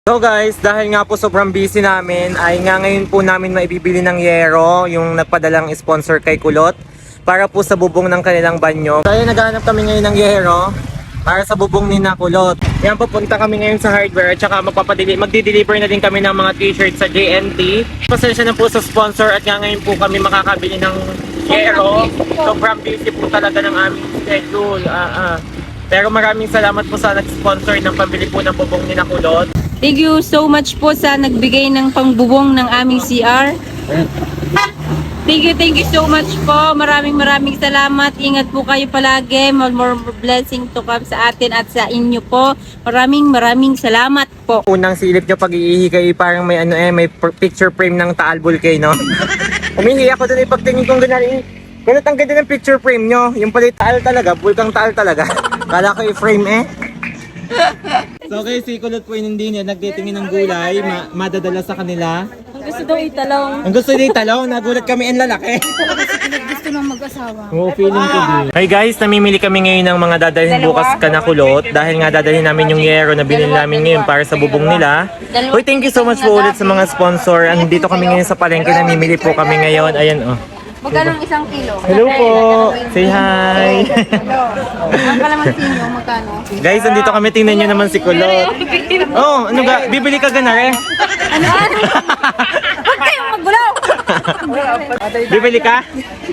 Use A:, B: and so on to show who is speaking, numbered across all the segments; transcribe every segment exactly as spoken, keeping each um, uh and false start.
A: So guys, dahil nga po sobrang busy namin, ay nga ngayon po namin maibibili ng yero, yung nagpadalang sponsor kay Kulot, para po sa bubong ng kanilang banyo. Kaya naghahanap kami ngayon ng yero para sa bubong ni na Kulot. Yan, pupunta kami ngayon sa hardware at saka magpapadeli magdi-deliver na din kami ng mga t-shirt sa J N T. Pasensya na po sa sponsor at nga ngayon po kami makakabili ng yero. Sobrang busy po talaga ng aming schedule. Ah, ah. Pero maraming salamat po sa nag-sponsor ng pambili po ng bubong ni na Kulot.
B: Thank you so much po sa nagbigay ng pangbubong ng aming C R. Thank you, thank you so much po. Maraming maraming salamat. Ingat po kayo palagi. More, more blessing to come sa atin at sa inyo po. Maraming maraming salamat po.
A: Unang silip nyo pag-iihi kayo, parang may ano eh, may picture frame ng Taal Volcano. Umihi ako doon, ipagtingin kong ganyan. Kunot ang ganda ng picture frame nyo. Yung pala Taal talaga, Bulkang Taal talaga. Kala ko i-frame eh. So okay, si Kulot po hindi niya nagtitingin ng gulay, ma madadala sa kanila.
B: Ang gusto daw italong.
A: Ang gusto niya italong, nagulat kami ang lalaki.
B: Gusto nang mag-asawa.
A: Oo, feeling ko din. Hey guys, namimili kami ngayon ng mga dadalhin bukas ka na Kulot dahil nga dadalhin namin yung yero na bilhin namin ngayon para sa bubong nila. Uy, thank you so much po ulit sa mga sponsor. Andito kami ngayon sa palengke, namimili po kami ngayon. Ayan oh.
B: Magkano ang isang kilo?
A: Hello po! Say hi!
B: Ang kalamansi nyo, magkano?
A: Guys, andito kami, tingnan nyo naman si Kulot. Oh, ano ga? Bibili ka gana rin?
B: Ano? Huwag kayong maggulaw!
A: Bibili ka?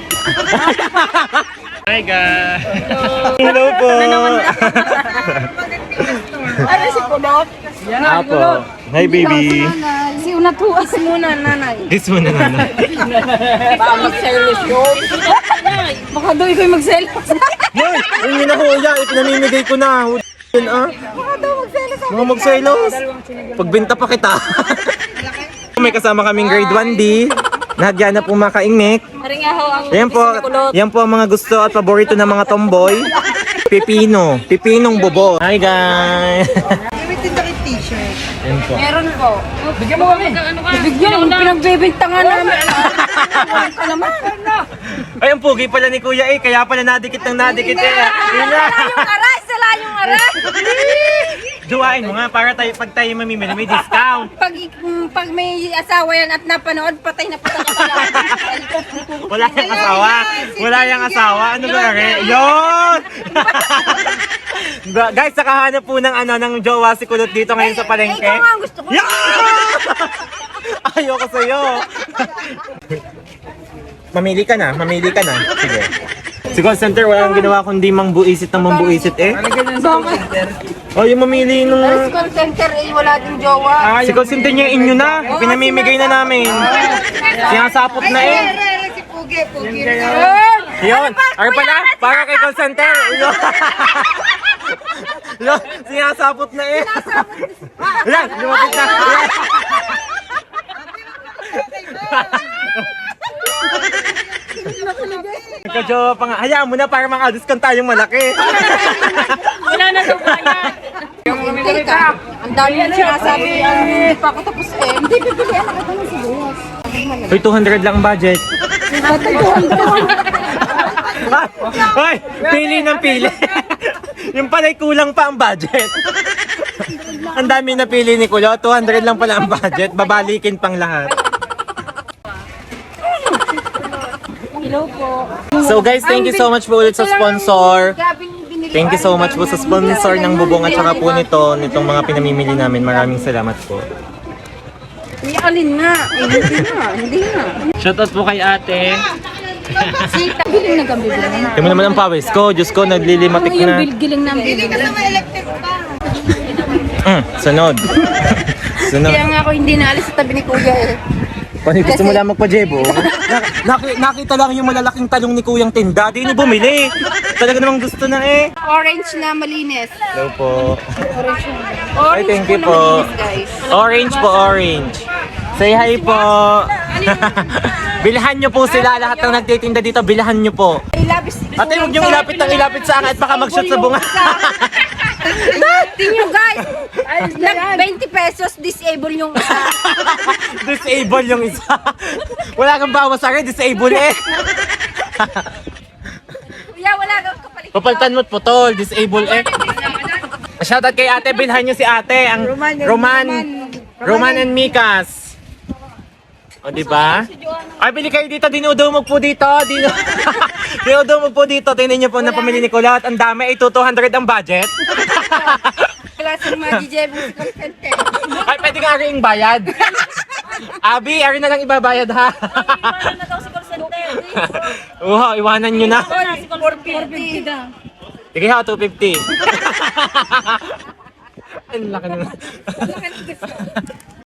A: Hi guys! Hello po!
B: Ano si Kulot?
A: Apo. Hi baby!
B: Si Unatuas muna, nanay.
A: This one na nanay.
B: Baka mag-selos yun. Baka daw ikaw mag-selos.
A: Yoy! Yung hinahuya, ipinamimigay ko na. Yun ah.
B: Baka daw mag-selos.
A: Mga magselos. Pagbenta pa kita. May kasama kaming grade one D. Nahagyan na po makaingnik.
B: Haringaho ang
A: Yan po, yan po ang mga gusto at paborito ng mga tomboy. Pipino. Pipinong bobo. Hi guys! Yan po.
B: meron po. Bigyan mo kami. Bigyan mo. Pinagbibintangan namin. Ka naman.
A: Ay, ang pugi pala ni Kuya eh. Kaya pala nadikit ng nadikit eh. Yun na.
B: Sala yung aray. Sala yung aray.
A: Duwain mo nga para tayo, pag tayo mamimili may discount.
B: Pag, pag may asawa yan at napanood, patay na patay na pala.
A: Wala yung asawa. Wala yung asawa. Ano ba rin? Yun! Ba- Guys, nakahanap po ng ano ng jowa si Kulot dito ngayon sa palengke.
B: Ikaw nga ang gusto ko.
A: Yeah! Ayoko sa'yo. Mamili ka na, mamili ka na. Sige. Si call center, walang ginawa kundi mangbuisit ng mangbuisit eh. Oh, yung mamili nung...
B: Sa call center eh, wala din jowa.
A: Si call center niya inyo na. Pinamimigay na namin. Sinasapot na eh.
B: Si Pugi, Pugi.
A: Yun. Ay pala, para kay call center. Yun. Yun, sinasapot na eh. Yan, lumapit na. Yan. Nagka-jowa pa nga. Hayaan mo na para maka-discount tayong malaki.
B: Wala na daw kaya. Hindi ka. Ang dami yung sinasabi. Hindi pa ako tapos eh. Hindi bibili. Nakita mo si Buwas.
A: Uy, two hundred lang ang budget. Hoy, pili ng pili. Yung pala'y kulang pa ang budget. Ang dami na pili ni Kulo. two hundred lang pala ang budget. Babalikin pang lahat.
B: Hello po.
A: So guys, thank you so much po ulit sa sponsor. Thank you so much po sa sponsor ng bubong at saka po nito, nitong mga pinamimili namin. Maraming salamat po.
B: Hindi alin nga. Eh, hindi nga. Hindi nga.
A: Shoutout po kay ate.
B: Sita. Giling na kami.
A: Tingnan mo naman ang pawis ko. Diyos ko, naglilimatik
B: Yung
A: na.
B: bil- giling na giling.
A: Mm, sunod. Sunod.
B: Kaya nga ako hindi naalis sa tabi ni Kuya eh.
A: Pani gusto mo lang magpa-jebo? Nak- nakita lang yung malalaking talong ni Kuyang Tinda. Di ni bumili. Talaga namang gusto na eh.
B: Orange na malinis.
A: Hello po.
B: Orange
A: thank
B: po
A: you
B: na
A: po.
B: malinis guys.
A: Orange po, orange. Say hi po. Bilhan nyo po sila. Lahat ng nagtitinda dito, bilhan nyo po.
B: Ilapis.
A: Ate, huwag nyo ilapit ng ilapit sa akin at baka mag-shoot sa bunga.
B: Tingnan nyo guys. Nag twenty pesos disable yung isa.
A: Disable yung isa. Wala kang bawas sa akin, disable eh.
B: Kuya wala kang kapalit.
A: Papalitan mo't putol, disable eh. Shoutout kay ate, bilhan nyo si ate, ang
B: Roman,
A: Roman,
B: Roman.
A: Roman and Mikas. O, di ba? Ay, bili kayo dito. Dinudumog po dito. Dinu Dinudumog po dito. Tingnan niyo po na pamili ni Kulot. Ang dami. Ay, two hundred ang budget.
B: Klase ng mga D J Buscante.
A: Ay, pwede nga rin bayad. Abi, ari na lang ibabayad ha.
B: Iwanan na daw si call center.
A: Oo, iwanan nyo na.
B: four fifty na.
A: Sige ha, two fifty. Ang laki na.